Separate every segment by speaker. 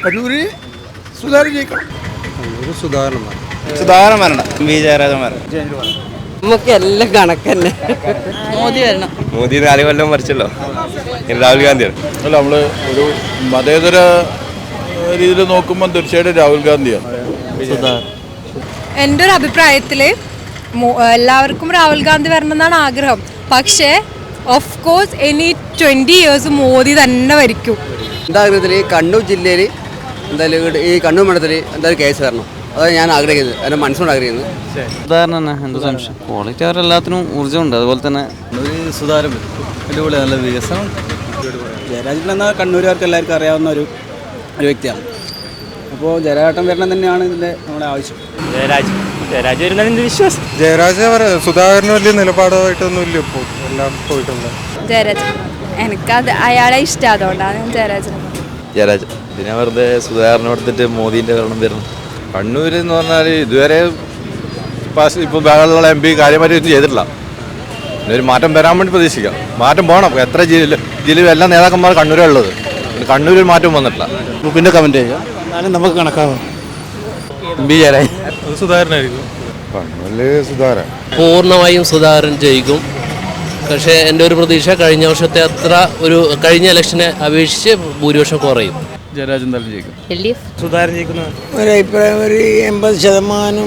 Speaker 1: കണ്ണൂര് സുധാകരൻ ജയിക്കണം.
Speaker 2: സുധാകരൻ വരണം. വി ജയരാജൻ വരണം.
Speaker 3: നമുക്ക് എല്ലാം കണക്കന്നെ. മോദി വരണം.
Speaker 2: മോദി 4 കൊല്ലം മരിച്ചല്ലോ. രാഹുൽ ഗാന്ധിയാണ്.
Speaker 4: അല്ല, നമ്മൾ ഒരു മതേതര രീതിയിൽ നോക്കുമ്പോൾ തീർച്ചയായിട്ടും രാഹുൽ ഗാന്ധിയാണ്.
Speaker 5: എൻ്റെ ഒരു അഭിപ്രായത്തിൽ എല്ലാവർക്കും രാഹുൽ ഗാന്ധി വരണം എന്നാണ് ആഗ്രഹം. പക്ഷേ ഓഫ് കോഴ്സ് ഇനി 20 years മോദി തന്നെ ഭരിക്കും.
Speaker 3: എൻ്റെ ആഗ്രഹത്തിൽ കണ്ണൂർ ജില്ലയിൽ എന്തായാലും ഈ കണ്ണൂർ മണ്ഡലത്തിൽ എന്തായാലും കേസ് വരണം. അതാണ് ഞാൻ ആഗ്രഹിക്കുന്നത്, എൻ്റെ മനസ്സുകൊണ്ട് ആഗ്രഹിക്കുന്നത്.
Speaker 6: സുധാകരൻ തന്നെ, എന്ത് സംശയം. ക്വാളിറ്റി അവരെല്ലാത്തിനും ഊർജ്ജമുണ്ട്. അതുപോലെ തന്നെ
Speaker 2: സുധാകരൻ അടിപൊളി, നല്ല വികസനം.
Speaker 7: ജയരാജൻ എന്ന കണ്ണൂരുകാർക്ക് എല്ലാവർക്കും അറിയാവുന്ന ഒരു വ്യക്തിയാണ്. അപ്പോൾ ജയരാജൻ വരണം തന്നെയാണ് ഇതിൻ്റെ നമ്മുടെ ആവശ്യം.
Speaker 2: ജയരാജ് വരുന്നതിൻ്റെ വിശ്വാസം.
Speaker 1: ജയരാജ് സുധാകരന് വലിയ നിലപാടായിട്ടൊന്നും ഇല്ല, ഇപ്പോൾ എല്ലാം പോയിട്ടുണ്ട്.
Speaker 5: ജയരാജൻ എനിക്കത് അയാളെ ഇഷ്ടം, അതുകൊണ്ടാണ് ഞാൻ
Speaker 2: ജയരാജ് ഇതിനെ വെറുതെ സുധാകരനെ കൊടുത്തിട്ട് മോദീൻ്റെ ഭരണം വരണം. കണ്ണൂർ എന്ന് പറഞ്ഞാൽ ഇതുവരെ ഇപ്പോൾ ബഹളമുള്ള MP കാര്യമായിട്ട് ചെയ്തിട്ടില്ല. ഒരു മാറ്റം വരാൻ വേണ്ടി പ്രതീക്ഷിക്കാം. മാറ്റം പോകണം. എത്ര ജില്ലയിൽ എല്ലാ നേതാക്കന്മാർ കണ്ണൂരേ ഉള്ളത്. കണ്ണൂരിൽ മാറ്റം വന്നിട്ടില്ല.
Speaker 7: പിന്നെ കമൻറ്റ് ചെയ്യുക, എന്നാലും നമുക്ക് കണക്കാവും.
Speaker 2: MP ജയരാജ്
Speaker 1: സുധാകരനായിരിക്കും. കണ്ണൂരിൽ സുധാകരൻ
Speaker 8: പൂർണ്ണമായും സുധാകരൻ ജയിക്കും. പക്ഷേ എൻ്റെ ഒരു പ്രതീക്ഷ കഴിഞ്ഞ വർഷത്തെ അത്ര കഴിഞ്ഞ ഇലക്ഷനെ അപേക്ഷിച്ച് ഭൂരിപക്ഷം കുറയും.
Speaker 4: ജയരാജൻ തന്നെ ജയിക്കും.
Speaker 2: സുധാകരൻ ജയിക്കുന്ന
Speaker 3: ഒരഭിപ്രായം ഒരു 80%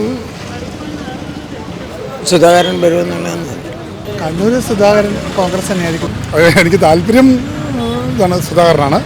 Speaker 3: സുധാകരൻ വരുമെന്നുള്ളതാണ്.
Speaker 1: കണ്ണൂർ സുധാകരൻ കോൺഗ്രസ് തന്നെയായിരിക്കും. എനിക്ക് താല്പര്യം സുധാകരനാണ്.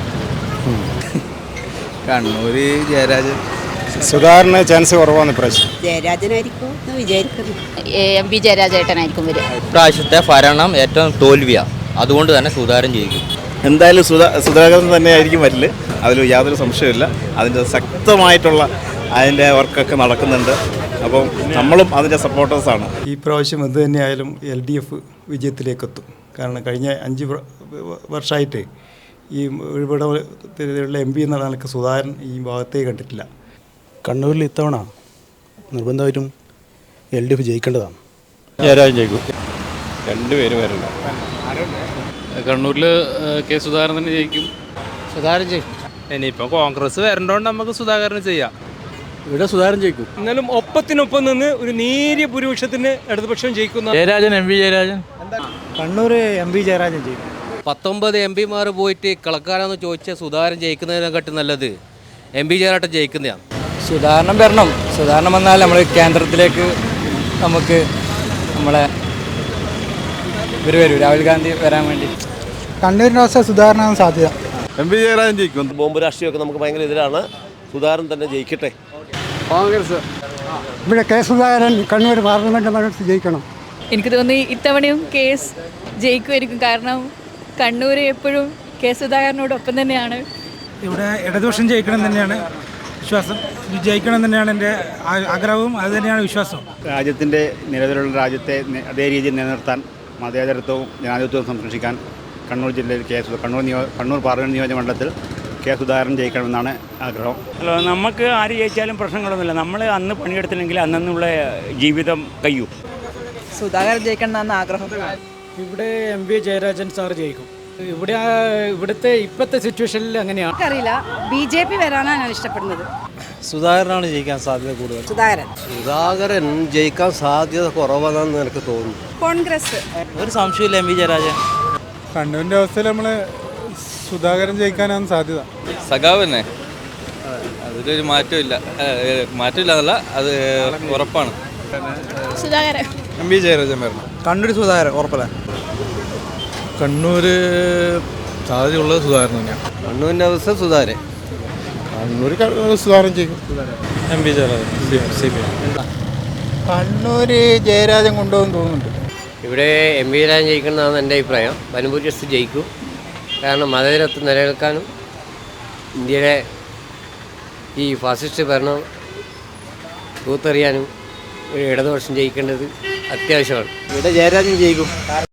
Speaker 2: കണ്ണൂർ ജയരാജൻ.
Speaker 1: സുധാകരന് ചാൻസ് കുറവാണ് ഇപ്രാവശ്യം.
Speaker 3: ജയരാജനായിരിക്കും എന്ന് വിചാരിക്കുന്നു.
Speaker 5: MP ജയരാജേട്ടനായിരിക്കും വരിക.
Speaker 8: ഇപ്രാവശ്യത്തെ ഭരണം ഏറ്റവും തോൽവിയാണ്. അതുകൊണ്ട് തന്നെ സുധാകരൻ ജയിക്കും.
Speaker 2: എന്തായാലും സുധാകരൻ തന്നെയായിരിക്കും വരില്ല. അതിൽ യാതൊരു സംശയമില്ല. അതിൻ്റെ ശക്തമായിട്ടുള്ള അതിൻ്റെ വർക്കൊക്കെ നടക്കുന്നുണ്ട്. അപ്പം നമ്മളും അതിൻ്റെ സപ്പോർട്ടേഴ്സാണ്.
Speaker 1: ഈ പ്രാവശ്യം എന്ത് തന്നെയായാലും LDF വിജയത്തിലേക്കെത്തും. കാരണം കഴിഞ്ഞ 5 വർഷമായിട്ട് ഈ ഇവിടെ MP എന്നുള്ള നിലക്ക് സുധാകരൻ ഈ ഭാഗത്തേക്ക് കണ്ടിട്ടില്ല.
Speaker 7: കണ്ണൂരിൽ ഇത്തവണ നിർബന്ധമായിട്ടും LDF ജയിക്കേണ്ടതാണ്.
Speaker 4: ജയരാജൻ ജയിക്കും.
Speaker 2: രണ്ടുപേരും വരണം.
Speaker 6: കണ്ണൂരിൽ കെ സുധാകരൻ തന്നെ ജയിക്കും.
Speaker 3: സുധാകരൻ ജയിക്കും.
Speaker 6: ഇനിയിപ്പോൾ കോൺഗ്രസ് വരണ്ടോണ്ട് നമുക്ക് സുധാകരൻ ചെയ്യാം.
Speaker 7: ഇവിടെ സുധാകരൻ ജയിക്കും.
Speaker 9: എന്നാലും ഒപ്പത്തിനൊപ്പം നിന്ന് ഒരു നേരിയ ഭൂരിപക്ഷത്തിന് ഇടതുപക്ഷം ജയിക്കുന്ന
Speaker 6: ജയരാജൻ, MP ജയരാജൻ.
Speaker 7: കണ്ണൂർ MP ജയരാജൻ ജയിക്കും.
Speaker 8: 19 MP പോയിട്ട് കളക്കാനാന്ന് ചോദിച്ചാൽ സുധാകരൻ ജയിക്കുന്നതിനെക്കാട്ടും നല്ലത് MP ജയരാജൻ ജയിക്കുന്നതാണ്.
Speaker 3: സുധാകരൻ വരണം. സുധാകരൻ വന്നാൽ നമ്മൾ കേന്ദ്രത്തിലേക്ക് നമുക്ക് നമ്മളെ ഇവർ വരും, രാഹുൽ ഗാന്ധി വരാൻ വേണ്ടി.
Speaker 1: കണ്ണൂരിൻ്റെ അവസ്ഥ സുധാകരനാണ് സാധ്യത.
Speaker 4: MP ജയരാജൻ ജയിക്കും.
Speaker 2: ബോംബ് രാഷ്ട്രീയമൊക്കെ നമുക്ക് ഭയങ്കര എതിരാണ്. സുധാകരൻ തന്നെ ജയിക്കട്ടെ.
Speaker 3: കോൺഗ്രസ്.
Speaker 1: ഇവിടെ കെ സുധാകരൻ കണ്ണൂർ പാർലമെന്റ് മണ്ഡലത്തിൽ ജയിക്കണം.
Speaker 5: എനിക്ക് തോന്നി ഇത്തവണയും കേസ് ജയിക്കുമായിരിക്കും. കാരണം കണ്ണൂർ എപ്പോഴും കെ സുധാകരനോടൊപ്പം തന്നെയാണ്.
Speaker 9: ഇവിടെ ഇടതുപക്ഷം ജയിക്കണം തന്നെയാണ് വിശ്വാസം. ജയിക്കണം തന്നെയാണ് എൻ്റെ ആഗ്രഹവും, അത് തന്നെയാണ് വിശ്വാസം.
Speaker 7: രാജ്യത്തിൻ്റെ നിലവിലുള്ള രാജ്യത്തെ അതേ രീതിയിൽ നിലനിർത്താൻ, മതേതരത്വവും ജനാധിപത്യവും സംരക്ഷിക്കാൻ കണ്ണൂർ ജില്ലയിൽ കണ്ണൂർ പാർലമെൻറ്റ് നിയോജകമണ്ഡലത്തിൽ കെ സുധാകരൻ ജയിക്കണമെന്നാണ് ആഗ്രഹം.
Speaker 9: അല്ല, നമുക്ക് ആര് ജയിച്ചാലും പ്രശ്നങ്ങളൊന്നുമില്ല. നമ്മൾ അന്ന് പണിയെടുത്തില്ലെങ്കിൽ അന്നുള്ള ജീവിതം കഴിയും.
Speaker 3: സുധാകരൻ ജയിക്കണം എന്നാണ് ആഗ്രഹം.
Speaker 7: ഇവിടെ MP ജയരാജൻ സാർ ജയിക്കും. ഇവിടുത്തെ ഇപ്പോഴത്തെ സിറ്റുവേഷനിൽ അങ്ങനെയാണ്.
Speaker 5: അറിയില്ല, BJP വരാനാണ് ഞാൻ ഇഷ്ടപ്പെടുന്നത്.
Speaker 6: സുധാകരനാണ് ജയിക്കാൻ സാധ്യത കൂടുതൽ.
Speaker 3: സുധാകരൻ ജയിക്കാൻ സാധ്യത കുറവാണെന്ന് എനിക്ക് തോന്നുന്നു.
Speaker 5: കോൺഗ്രസ്.
Speaker 8: ഒരു സംശയമില്ല, MP ജയരാജൻ.
Speaker 1: കണ്ണൂരിൻ്റെ അവസ്ഥയിൽ നമ്മൾ സുധാകരൻ ജയിക്കാനാണ് സാധ്യത.
Speaker 6: സഖാവ് തന്നെ, അതിലൊരു മാറ്റമില്ല. മാറ്റമില്ല, അത് ഉറപ്പാണ്.
Speaker 5: സുധാകരൻ.
Speaker 1: MP ജയരാജൻ വരണം.
Speaker 3: കണ്ണൂർ സുധാകരൻ ഉറപ്പല്ല.
Speaker 1: കണ്ണൂർ സാധ്യതയുള്ളത് സുധാകരൻ തന്നെയാണ്.
Speaker 3: കണ്ണൂരിൻ്റെ അവസ്ഥ സുധാകരൻ.
Speaker 1: കണ്ണൂർ സുധാകരൻ ജയിക്കും.
Speaker 6: MP Jayarajan, CPM.
Speaker 1: കണ്ണൂർ ജയരാജൻ കൊണ്ടുപോകും തോന്നുന്നുണ്ട്.
Speaker 8: ഇവിടെ MP ജയരാജൻ ജയിക്കുന്നതാണ് എൻ്റെ അഭിപ്രായം. വനഭൂരിപക്ഷം ജയിക്കും. കാരണം മതേതരത്വം നിലനിൽക്കാനും ഇന്ത്യയിലെ ഈ ഫാസിസ്റ്റ് ഭരണം തൂത്തെറിയാനും ഇടതുപക്ഷം ജയിക്കേണ്ടത് അത്യാവശ്യമാണ്.
Speaker 3: ഇവിടെ ജയരാജൻ ജയിക്കും.